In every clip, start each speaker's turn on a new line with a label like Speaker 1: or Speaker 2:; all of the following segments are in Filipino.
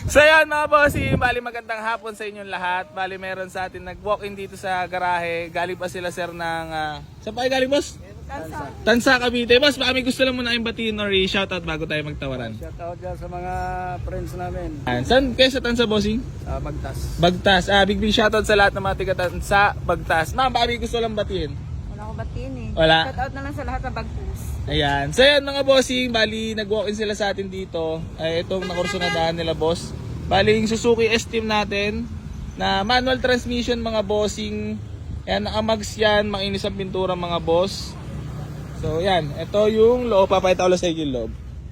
Speaker 1: So yan mga bossing, bali magandang hapon sa inyong lahat. Bali meron sa atin nag-walk-in dito sa garahe. Galing pa sila sir ng... saan pa kayo galing boss? Tansa, Cavite. Boss, baka may gusto lang muna kayong batiin or shoutout bago tayo magtawaran.
Speaker 2: Shoutout dyan sa mga friends namin.
Speaker 1: Saan kayo sa Tansa bossing?
Speaker 2: Bagtas.
Speaker 1: Bagtas. Big shoutout sa lahat ng mga tiga Tansa, Bagtas. Ma'am, baka may gusto lang batiin.
Speaker 3: Wala ko batiin eh.
Speaker 1: Wala.
Speaker 3: Shoutout na lang sa lahat ng Bagtas.
Speaker 1: Ayan. So yan mga bossing, bali nag-walk-in sila sa atin dito. Ay itong nakurso na daan nila boss. Bali yung Suzuki S-Team natin na manual transmission mga bossing. Ayan, nakamags yan, makinis ang pintura mga boss. So yan, ito yung loob. Papakita ko lang sa inyo yung loob.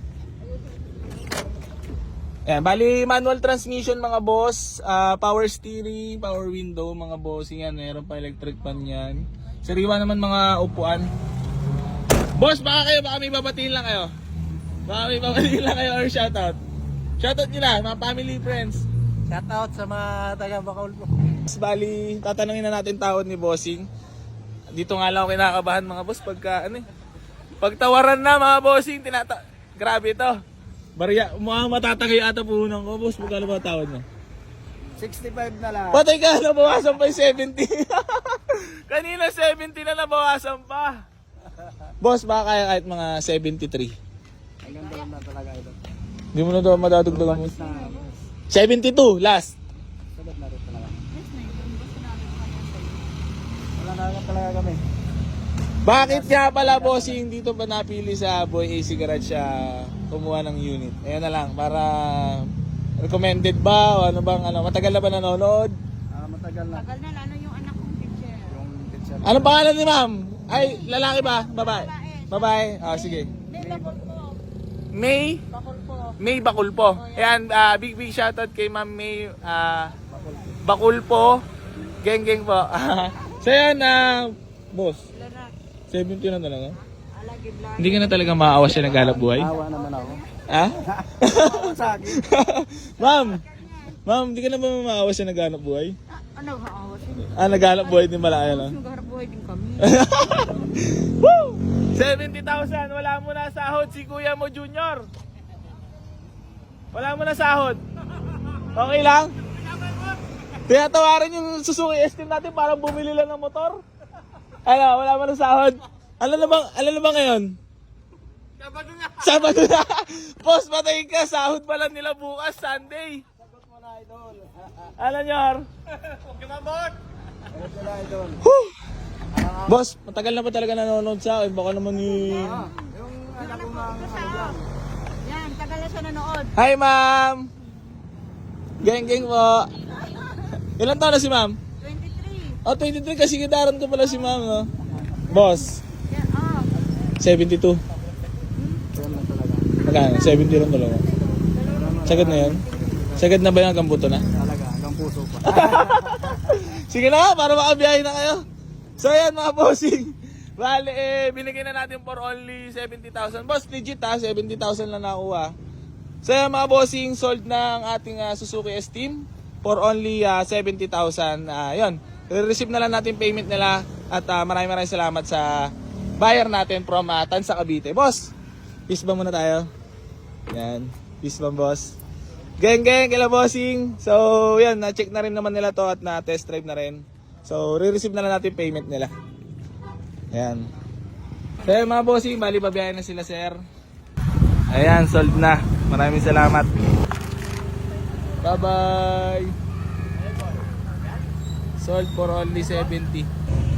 Speaker 1: Ayan, bali manual transmission mga boss. Power steering, power window mga bossing yan. Meron pa electric fan yan. Sariwa naman mga upuan. Boss, baka may babatiin lang kayo. Baka may babatiin lang kayo or shoutout. Shoutout nyo na, mga family, friends.
Speaker 2: Shoutout sa mga taga Bacaul po.
Speaker 1: Bali, tatanungin na natin tawad ni Bossing. Dito nga lang ako kinakabahan mga boss pagka pagtawaran na mga bossing, grabe ito. Barya, mukhang matatagay ata puhunan ko. Boss, magkano ba tawad mo?
Speaker 2: 65 na lang.
Speaker 1: Patay ka, nabawasan pa yung 70. Kanina 70 na nabawasan pa. Boss, baka kaya kahit mga 73.
Speaker 2: Hanggang doon na talaga ito.
Speaker 1: Hindi mo na daw madadagdagan mo. 72, last.
Speaker 2: Sabat na rin talaga. Wala na lang talaga kami.
Speaker 1: Bakit nga pala bossing dito ba napili sa Boy AC Garage siya kumuha ng unit? Ayan na lang, para recommended ba o ano bang matagal na ba nanonood?
Speaker 2: Matagal na.
Speaker 3: Tagal na lalo yung anak kong teacher.
Speaker 2: Yung teacher.
Speaker 1: Anong pangalan ni ma'am? Ay, lalaki ba? Babae? Babae? sige.
Speaker 3: May bakul po.
Speaker 1: May?
Speaker 3: Bakul po.
Speaker 1: May Bakulpo. Ayan, big shoutout kay ma'am May Bakulpo. Geng po. So yan, boss,
Speaker 3: Ilan na?
Speaker 1: 70 na talaga.
Speaker 3: Alagi vlog.
Speaker 1: Hindi ka na talaga maawa siya naghalap buhay?
Speaker 2: Awa naman ako.
Speaker 1: Ha?
Speaker 2: Awa sa akin.
Speaker 1: Ma'am, hindi ka na ba maawa siya naghanap buhay?
Speaker 3: Ano haawas yun?
Speaker 1: Naghanap buhay din pala kayo, no?
Speaker 3: Nagharap buhay din kami.
Speaker 1: Woo! 70,000, wala mo na sahod si kuya mo junior. Wala mo na sahod. Okay lang? Tinatawaran yung Suzuki S-Team natin para bumili lang ng motor. Wala mo na sahod. Alam na ba ngayon? Sabado na. Boss, patayin ka. Sahod pa lang nila bukas, Sunday.
Speaker 2: Sagot mo na, idol.
Speaker 1: Alam nyo, Har?
Speaker 2: Sagot mo na, idol.
Speaker 1: Boss, matagal na ba talaga nanonood sa akin? Baka naman
Speaker 2: Yung anak ko mga lang.
Speaker 3: Yan, tagal na siya nanood.
Speaker 1: Hi, ma'am! Geng po. Ilan taon na si ma'am?
Speaker 3: 23.
Speaker 1: Oh, 23 kasi gitaran ko pala si ma'am, no? Boss,
Speaker 3: Yan,
Speaker 1: 72.
Speaker 2: Yan lang talaga.
Speaker 1: Magkano? 70 lang talaga. Sagad na yan? Sagad na ba yung hanggang buto na?
Speaker 2: Talaga, hanggang puso pa.
Speaker 1: Sige na nga, para makabiyahe na kayo. So yan mga bossing. Bale, binigay na natin for only 70,000. Boss, legit 70,000 lang nakuha. So yan mga bossing, sold na ang ating Suzuki S-Team for only 70,000. Yun, receive na lang natin payment nila. At maraming salamat sa buyer natin from Tansa, Cavite. Boss, peace ba muna tayo? Yan, peace ba boss? Geng, kila bossing. So yan, na-check na rin naman nila to at na-test drive na rin. So, re-receive na lang natin payment nila. Ayan. So, mga bossing, bali pabiyahin na sila, sir. Ayan, sold na. Maraming salamat. Bye-bye. Sold for only 70.